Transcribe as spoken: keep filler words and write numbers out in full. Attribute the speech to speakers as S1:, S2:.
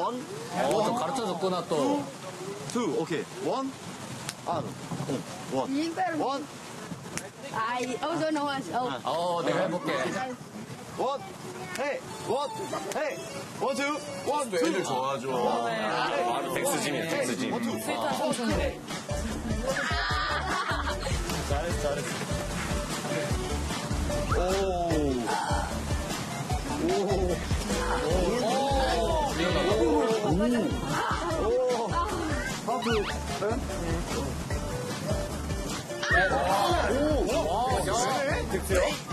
S1: 원,
S2: 어, 좀 가르쳐 줬구나, 또.
S1: 투, 오케이. 원, 아, 어, 원. 원,
S3: I also know us. Oh.
S2: 어, 내가 해볼게.
S1: 원, 헤이, 원, 헤이, 원, 투, 원, 투.
S4: 애들 좋아하죠.
S1: 헤이,
S4: 덱스짐이야, 덱스짐.
S1: 원, 투.
S2: 잘했어, 잘했어.
S1: 오. 오. 오. 하프. 오. 오. 오. 오.